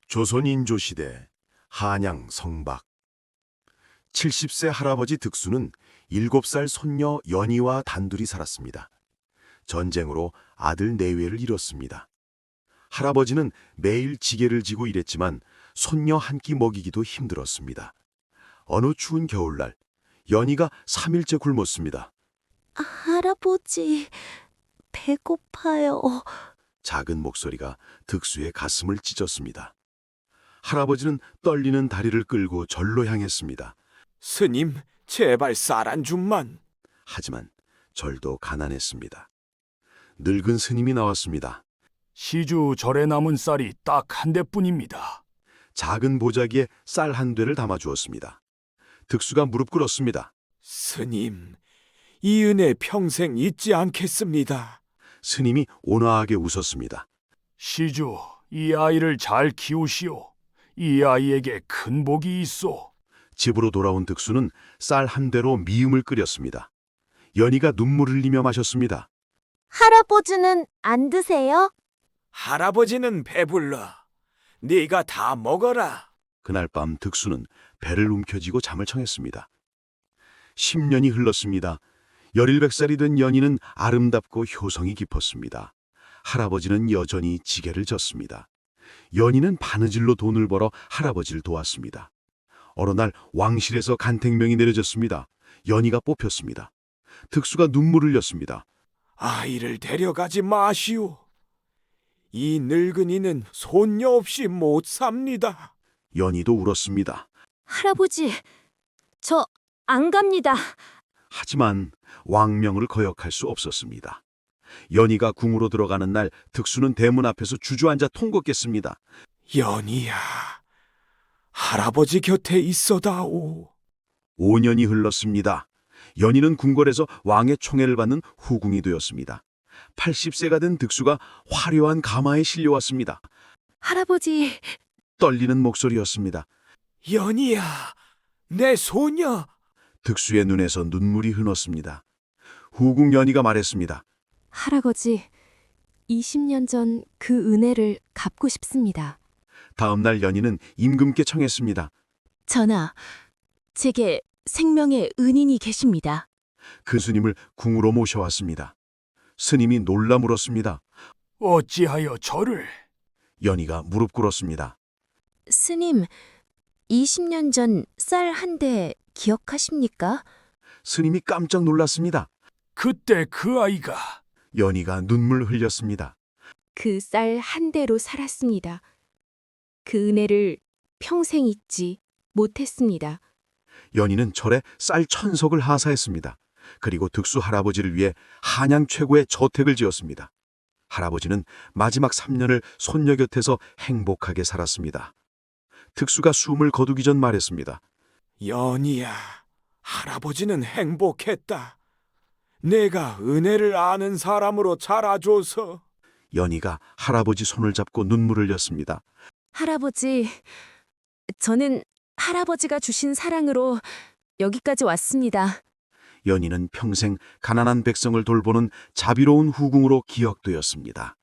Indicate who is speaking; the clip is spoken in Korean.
Speaker 1: 조선 인조시대 한양 성박 70세 할아버지 득수는 7살 손녀 연희와 단둘이 살았습니다. 전쟁으로 아들 내외를 잃었습니다. 할아버지는 매일 지게를 지고 일했지만 손녀 한 끼 먹이기도 힘들었습니다. 어느 추운 겨울날 연희가 3일째 굶었습니다.
Speaker 2: 할아버지, 배고파요.
Speaker 1: 작은 목소리가 득수의 가슴을 찢었습니다. 할아버지는 떨리는 다리를 끌고 절로 향했습니다.
Speaker 3: 스님, 제발 쌀 한 줌만.
Speaker 1: 하지만 절도 가난했습니다. 늙은 스님이 나왔습니다.
Speaker 4: 시주 절에 남은 쌀이 딱 한 대뿐입니다.
Speaker 1: 작은 보자기에 쌀 한 대를 담아주었습니다. 득수가 무릎 꿇었습니다.
Speaker 3: 스님, 이 은혜 평생 잊지 않겠습니다.
Speaker 1: 스님이 온화하게 웃었습니다.
Speaker 4: 시주, 이 아이를 잘 키우시오. 이 아이에게 큰 복이 있소.
Speaker 1: 집으로 돌아온 득수는 쌀 한 대로 미음을 끓였습니다. 연희가 눈물 흘리며 마셨습니다.
Speaker 2: 할아버지는 안 드세요?
Speaker 3: 할아버지는 배불러. 네가 다 먹어라.
Speaker 1: 그날 밤 득수는 배를 움켜쥐고 잠을 청했습니다. 10년이 흘렀습니다. 17살이 된 연희는 아름답고 효성이 깊었습니다. 할아버지는 여전히 지게를 졌습니다. 연희는 바느질로 돈을 벌어 할아버지를 도왔습니다. 어느 날 왕실에서 간택명이 내려졌습니다. 연희가 뽑혔습니다. 득수가 눈물을 흘렸습니다.
Speaker 3: 아이를 데려가지 마시오. 이 늙은이는 손녀 없이 못 삽니다.
Speaker 1: 연희도 울었습니다.
Speaker 2: 할아버지, 저 안 갑니다.
Speaker 1: 하지만 왕명을 거역할 수 없었습니다. 연희가 궁으로 들어가는 날 득수는 대문 앞에서 주저앉아 통곡했습니다.
Speaker 3: 연희야, 할아버지 곁에 있어다오.
Speaker 1: 5년이 흘렀습니다. 연희는 궁궐에서 왕의 총애를 받는 후궁이 되었습니다. 80세가 된 득수가 화려한 가마에 실려왔습니다.
Speaker 2: 할아버지,
Speaker 1: 떨리는 목소리였습니다.
Speaker 3: 연희야, 내 소녀.
Speaker 1: 득수의 눈에서 눈물이 흘렀습니다. 후궁 연희가 말했습니다.
Speaker 2: 할아버지, 20년 전 그 은혜를 갚고 싶습니다.
Speaker 1: 다음 날 연희는 임금께 청했습니다.
Speaker 2: 전하, 제게 생명의 은인이 계십니다.
Speaker 1: 그 스님을 궁으로 모셔왔습니다. 스님이 놀라 물었습니다.
Speaker 4: 어찌하여 저를?
Speaker 1: 연희가 무릎 꿇었습니다.
Speaker 2: 스님, 20년 전 쌀 한 대 기억하십니까?
Speaker 1: 스님이 깜짝 놀랐습니다.
Speaker 4: 그때 그 아이가
Speaker 1: 연희가 눈물 흘렸습니다.
Speaker 2: 그 쌀 한 대로 살았습니다. 그 은혜를 평생 잊지 못했습니다.
Speaker 1: 연희는 절에 쌀 1000석을 하사했습니다. 그리고 득수 할아버지를 위해 한양 최고의 저택을 지었습니다. 할아버지는 마지막 3년을 손녀 곁에서 행복하게 살았습니다. 득수가 숨을 거두기 전 말했습니다.
Speaker 3: 연희야, 할아버지는 행복했다. 내가 은혜를 아는 사람으로 자라줘서.
Speaker 1: 연희가 할아버지 손을 잡고 눈물을 흘렸습니다.
Speaker 2: 할아버지, 저는 할아버지가 주신 사랑으로 여기까지 왔습니다.
Speaker 1: 연희는 평생 가난한 백성을 돌보는 자비로운 후궁으로 기억되었습니다.